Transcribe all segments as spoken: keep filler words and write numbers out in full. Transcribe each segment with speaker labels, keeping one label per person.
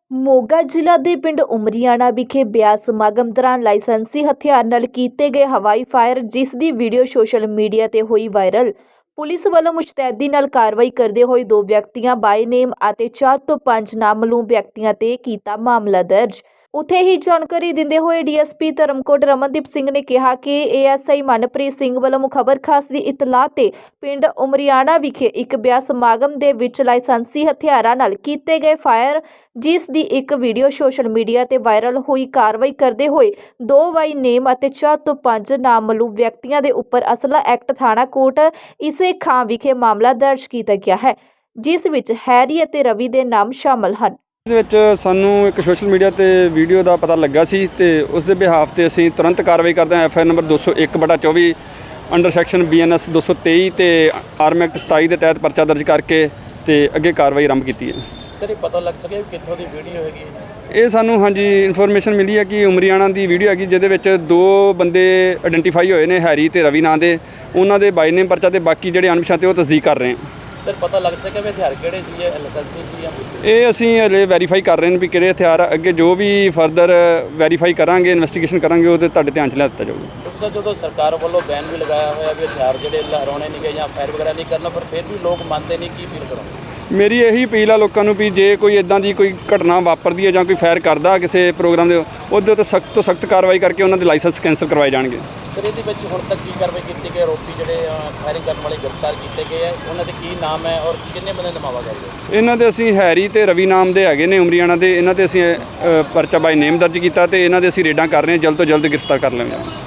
Speaker 1: ਮੋਗਾ ਜ਼ਿਲ੍ਹਾ ਦੇ ਪਿੰਡ ਉਮਰੀਆਣਾ ਵਿਖੇ ਵਿਆਹ ਸਮਾਗਮ ਦੌਰਾਨ ਲਾਇਸੈਂਸੀ ਹਥਿਆਰ ਨਾਲ ਕੀਤੇ ਗਏ ਹਵਾਈ ਫਾਇਰ, ਜਿਸ ਦੀ ਵੀਡੀਓ ਸੋਸ਼ਲ ਮੀਡੀਆ ਤੇ ਹੋਈ ਵਾਇਰਲ। ਪੁਲਿਸ ਵੱਲੋਂ ਮੁਸ਼ਤੈਦੀ ਨਾਲ ਕਾਰਵਾਈ ਕਰਦੇ ਹੋਏ ਦੋ ਵਿਅਕਤੀਆਂ ਬਾਈ ਨੇਮ ਅਤੇ ਚਾਰ ਤੋਂ ਪੰਜ ਨਾਮਲੂਮ ਵਿਅਕਤੀਆਂ ਤੇ ਕੀਤਾ ਮਾਮਲਾ ਦਰਜ। ਉੱਥੇ ਹੀ ਜਾਣਕਾਰੀ ਦਿੰਦੇ ਹੋਏ D S P Dharamkot Ramandeep Singh ਨੇ ਕਿਹਾ ਕਿ A S I Manpreet Singh ਵੱਲੋਂ ਮੁਖਬਰ ਖਾਸ ਦੀ ਇਤਲਾਹ ਤੇ ਪਿੰਡ ਉਮਰੀਆਣਾ ਵਿਖੇ ਇੱਕ ਵਿਆਹ ਸਮਾਗਮ ਦੇ ਵਿੱਚ ਲਾਇਸੈਂਸੀ ਹਥਿਆਰਾਂ ਨਾਲ ਕੀਤੇ ਗਏ ਫਾਇਰ, ਜਿਸ ਦੀ ਇੱਕ ਵੀਡੀਓ ਸੋਸ਼ਲ ਮੀਡੀਆ ਤੇ ਵਾਇਰਲ ਹੋਈ, ਕਾਰਵਾਈ ਕਰਦੇ ਹੋਏ ਦੋ ਬਾਈ ਨੇਮ ਅਤੇ ਚਾਰ ਤੋਂ ਪੰਜ ਨਾਮਲੂਮ ਵਿਅਕਤੀਆਂ ਦੇ ਉੱਪਰ ਅਸਲਾ ਐਕਟ ਥਾਣਾ ਕੋਟ ਇਸੇ ਖਾਂ ਵਿਖੇ ਮਾਮਲਾ ਦਰਜ ਕੀਤਾ ਗਿਆ ਹੈ, ਜਿਸ ਵਿੱਚ ਹੈਰੀ ਅਤੇ ਰਵੀ ਦੇ ਨਾਮ ਸ਼ਾਮਲ ਹਨ।
Speaker 2: ਇਸ ਵਿੱਚ ਸਾਨੂੰ ਇੱਕ ਸੋਸ਼ਲ ਮੀਡੀਆ ਤੇ ਵੀਡੀਓ ਦਾ ਪਤਾ ਲੱਗਾ ਸੀ ਤੇ ਉਸ ਦੇ ਬਿਹਾਫ ਤੇ ਅਸੀਂ ਤੁਰੰਤ ਕਾਰਵਾਈ ਕਰਦੇ ਹਾਂ। ਐਫ ਆਈ ਆਰ ਨੰਬਰ ਦੋ ਸੌ ਇੱਕ ਬਟਾ ਚੌਵੀ under section B N S ਦੋ ਸੌ ਤੇਈ ਤੇ ਆਰਮ ਐਕਟ ਸਤਾਈ ਦੇ ਤਹਿਤ ਪਰਚਾ ਦਰਜ ਕਰਕੇ ਤੇ ਅੱਗੇ ਕਾਰਵਾਈ ਆਰੰਭ ਕੀਤੀ ਹੈ।
Speaker 3: ਸਰ, ਇਹ ਪਤਾ ਲੱਗ ਸਕਿਆ ਕਿੱਥੋਂ ਦੀ ਵੀਡੀਓ ਹੈਗੀ ਹੈ?
Speaker 2: ਇਹ ਸਾਨੂੰ ਹਾਂਜੀ ਇਨਫੋਰਮੇਸ਼ਨ ਮਿਲੀ ਹੈ ਕਿ ਉਮਰੀਆਣਾ ਦੀ ਵੀਡੀਓ ਹੈਗੀ, ਜਿਹਦੇ ਵਿੱਚ ਦੋ ਬੰਦੇ ਆਇਡੈਂਟੀਫਾਈ ਹੋਏ ਨੇ, ਹੈਰੀ ਤੇ ਰਵੀ ਨਾਂ ਦੇ। ਉਹਨਾਂ ਦੇ ਬਾਈ ਨੇਮ ਪਰਚਾ ਤੇ ਬਾਕੀ ਜਿਹੜੇ ਅਣਪਛਾਤੇ ਉਹ ਤਸਦੀਕ ਕਰ ਰਹੇ ਹਾਂ।
Speaker 3: ਸਰ, ਪਤਾ ਲੱਗ ਸਕਿਆ ਵੀ ਹਥਿਆਰ ਕਿਹੜੇ ਸੀ, ਲਾਇਸੈਂਸੀ ਸੀ ਜਾਂ
Speaker 2: ਇਹ ਅਸੀਂ ਹਲੇ ਵੈਰੀਫਾਈ ਕਰ ਰਹੇ ਨੇ ਵੀ ਕਿਹੜੇ ਹਥਿਆਰ ਆ। ਅੱਗੇ ਜੋ ਵੀ ਫਰਦਰ ਵੈਰੀਫਾਈ ਕਰਾਂਗੇ, ਇਨਵੈਸਟੀਗੇਸ਼ਨ ਕਰਾਂਗੇ, ਉਹਦੇ ਤੁਹਾਡੇ ਧਿਆਨ 'ਚ ਲਿਆ ਦਿੱਤਾ ਜਾਊਗਾ।
Speaker 3: ਸਰ, ਜਦੋਂ ਸਰਕਾਰ ਵੱਲੋਂ ਬੈਨ ਵੀ ਲਗਾਇਆ ਹੋਇਆ ਵੀ ਹਥਿਆਰ ਜਿਹੜੇ ਲਹਿਰਾਉਣੇ ਨਹੀਂ ਗਏ ਜਾਂ ਫਾਇਰ ਵਗੈਰਾ ਨਹੀਂ ਕਰਨਾ, ਪਰ ਫਿਰ ਵੀ ਲੋਕ ਮੰਨਦੇ ਨਹੀਂ, ਕੀ ਫੀਲ ਕਰੋਗੇ?
Speaker 2: ਮੇਰੀ ਇਹੀ ਅਪੀਲ ਆ ਲੋਕਾਂ ਨੂੰ ਵੀ ਜੇ ਕੋਈ ਇੱਦਾਂ ਦੀ ਕੋਈ ਘਟਨਾ ਵਾਪਰਦੀ ਹੈ ਜਾਂ ਕੋਈ ਫਾਇਰ ਕਰਦਾ ਕਿਸੇ ਪ੍ਰੋਗਰਾਮ ਦੇ, ਉਹਦੇ ਉੱਤੇ ਸਖਤ ਤੋਂ ਸਖਤ ਕਾਰਵਾਈ ਕਰਕੇ ਉਹਨਾਂ ਦੇ ਲਾਇਸੈਂਸ ਕੈਂਸਲ ਕਰਵਾਏ ਜਾਣਗੇ।
Speaker 3: ਸਰ, ਇਹਦੇ ਵਿੱਚ ਹੁਣ ਤੱਕ ਕੀ ਕਾਰਵਾਈ ਕੀਤੀ ਗਈ? ਆਰੋਪੀ ਜਿਹੜੇ ਫਾਇਰਿੰਗ ਕਰਨ ਵਾਲੇ ਗ੍ਰਿਫਤਾਰ ਕੀਤੇ ਗਏ ਆ, ਉਹਨਾਂ ਦੇ ਕੀ ਨਾਮ ਹੈ ਔਰ ਕਿੰਨੇ ਬੰਦੇ ਨਮਾਵਾ ਗਏ?
Speaker 2: ਇਹਨਾਂ ਦੇ ਅਸੀਂ ਹੈਰੀ ਤੇ ਰਵੀ ਨਾਮ ਦੇ ਹੈਗੇ ਨੇ ਉਮਰੀਆਣਾ ਦੇ। ਇਹਨਾਂ ਤੇ ਅਸੀਂ ਪਰਚਾ ਬਾਈ ਨੇਮ ਦਰਜ ਕੀਤਾ ਤੇ ਇਹਨਾਂ ਦੇ ਅਸੀਂ ਰੇਡਾਂ ਕਰ ਰਹੇ ਹਾਂ, ਜਲਦ ਤੋਂ ਜਲਦ ਗ੍ਰਿਫਤਾਰ ਕਰ ਲਵਾਂਗੇ।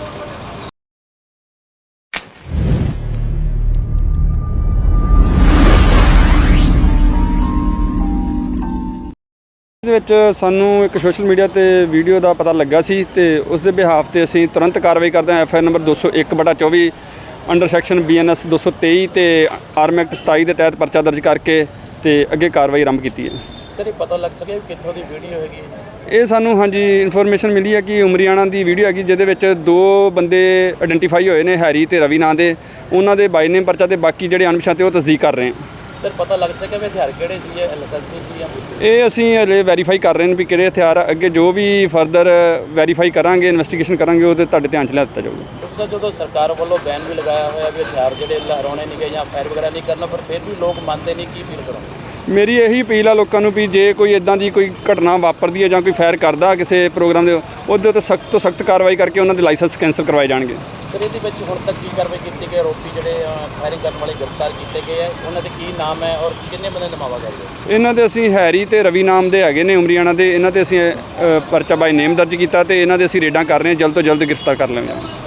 Speaker 2: ਇਸ ਵਿੱਚ ਸਾਨੂੰ ਇੱਕ ਸੋਸ਼ਲ ਮੀਡੀਆ ਤੇ ਵੀਡੀਓ ਦਾ ਪਤਾ ਲੱਗਾ ਸੀ ਤੇ ਉਸ ਦੇ ਬਿਹਾਫ ਤੇ ਅਸੀਂ ਤੁਰੰਤ ਕਾਰਵਾਈ ਕਰਦੇ ਹਾਂ। ਐਫ ਆਈ ਆਰ ਨੰਬਰ ਦੋ ਸੌ ਇੱਕ ਬਟਾ ਚੌਵੀ under section B N S ਦੋ ਸੌ ਤੇਈ ਤੇ ਆਰਮ ਐਕਟ ਸਤਾਈ ਦੇ ਤਹਿਤ ਪਰਚਾ ਦਰਜ ਕਰਕੇ ਤੇ ਅੱਗੇ ਕਾਰਵਾਈ ਆਰੰਭ ਕੀਤੀ ਹੈ।
Speaker 3: ਸਰ, ਇਹ ਪਤਾ ਲੱਗ ਸਕਿਆ ਕਿੱਥੋਂ ਦੀ ਵੀਡੀਓ ਹੈਗੀ ਹੈ?
Speaker 2: ਇਹ ਸਾਨੂੰ ਹਾਂਜੀ ਇਨਫੋਰਮੇਸ਼ਨ ਮਿਲੀ ਹੈ ਕਿ ਉਮਰੀਆਣਾ ਦੀ ਵੀਡੀਓ ਹੈਗੀ, ਜਿਹਦੇ ਵਿੱਚ ਦੋ ਬੰਦੇ ਆਇਡੈਂਟੀਫਾਈ ਹੋਏ ਨੇ, ਹੈਰੀ ਤੇ ਰਵੀ ਨਾਂ ਦੇ। ਉਹਨਾਂ ਦੇ ਬਾਈ ਨੇਮ ਪਰਚਾ ਤੇ ਬਾਕੀ ਜਿਹੜੇ ਅਣਪਛਾਤੇ ਉਹ ਤਸਦੀਕ ਕਰ ਰਹੇ ਹਾਂ।
Speaker 3: ਸਰ, ਪਤਾ ਲੱਗ ਸਕਿਆ ਵੀ ਹਥਿਆਰ ਕਿਹੜੇ ਸੀ, ਲਾਇਸੈਂਸੀ ਸੀ ਜਾਂ
Speaker 2: ਇਹ ਅਸੀਂ ਹਲੇ ਵੈਰੀਫਾਈ ਕਰ ਰਹੇ ਨੇ ਵੀ ਕਿਹੜੇ ਹਥਿਆਰ ਆ। ਅੱਗੇ ਜੋ ਵੀ ਫਰਦਰ ਵੈਰੀਫਾਈ ਕਰਾਂਗੇ, ਇਨਵੈਸਟੀਗੇਸ਼ਨ ਕਰਾਂਗੇ, ਉਹਦੇ ਤੁਹਾਡੇ ਧਿਆਨ 'ਚ ਲਿਆ ਦਿੱਤਾ ਜਾਊਗਾ।
Speaker 3: ਸਰ, ਜਦੋਂ ਸਰਕਾਰ ਵੱਲੋਂ ਬੈਨ ਵੀ ਲਗਾਇਆ ਹੋਇਆ ਵੀ ਹਥਿਆਰ ਜਿਹੜੇ ਲਹਿਰਾਉਣੇ ਨਹੀਂ ਗਏ ਜਾਂ ਫਾਇਰ ਵਗੈਰਾ ਨਹੀਂ ਕਰਨਾ, ਪਰ ਫਿਰ ਵੀ ਲੋਕ ਮੰਨਦੇ ਨਹੀਂ, ਕੀ ਫੀਲ ਕਰੋਗੇ?
Speaker 2: ਮੇਰੀ ਇਹੀ ਅਪੀਲ ਆ ਲੋਕਾਂ ਨੂੰ ਵੀ ਜੇ ਕੋਈ ਇੱਦਾਂ ਦੀ ਕੋਈ ਘਟਨਾ ਵਾਪਰਦੀ ਹੈ ਜਾਂ ਕੋਈ ਫਾਇਰ ਕਰਦਾ ਕਿਸੇ ਪ੍ਰੋਗਰਾਮ ਦੇ, ਉਹਦੇ ਉੱਤੇ ਸਖਤ ਤੋਂ ਸਖਤ ਕਾਰਵਾਈ ਕਰਕੇ ਉਹਨਾਂ ਦੇ ਲਾਇਸੈਂਸ ਕੈਂਸਲ ਕਰਵਾਏ ਜਾਣਗੇ।
Speaker 3: ਸਰ, ਇਹਦੇ ਵਿੱਚ ਹੁਣ ਤੱਕ ਕੀ ਕਾਰਵਾਈ ਕੀਤੀ ਗਈ? ਆਰੋਪੀ ਜਿਹੜੇ ਫਾਇਰਿੰਗ ਕਰਨ ਵਾਲੇ ਗ੍ਰਿਫਤਾਰ ਕੀਤੇ ਗਏ ਆ, ਉਹਨਾਂ ਦੇ ਕੀ ਨਾਮ ਹੈ ਔਰ ਕਿੰਨੇ ਬੰਦੇ ਨਮਾਵਾ ਗਏ?
Speaker 2: ਇਹਨਾਂ ਦੇ ਅਸੀਂ ਹੈਰੀ ਤੇ ਰਵੀ ਨਾਮ ਦੇ ਹੈਗੇ ਨੇ ਉਮਰੀਆਣਾ ਦੇ। ਇਹਨਾਂ ਤੇ ਅਸੀਂ ਪਰਚਾ ਬਾਈ ਨੇਮ ਦਰਜ ਕੀਤਾ ਤੇ ਇਹਨਾਂ ਦੇ ਅਸੀਂ ਰੇਡਾਂ ਕਰ ਰਹੇ ਹਾਂ, ਜਲਦ ਤੋਂ ਜਲਦ ਗ੍ਰਿਫਤਾਰ ਕਰ ਲਵਾਂਗੇ।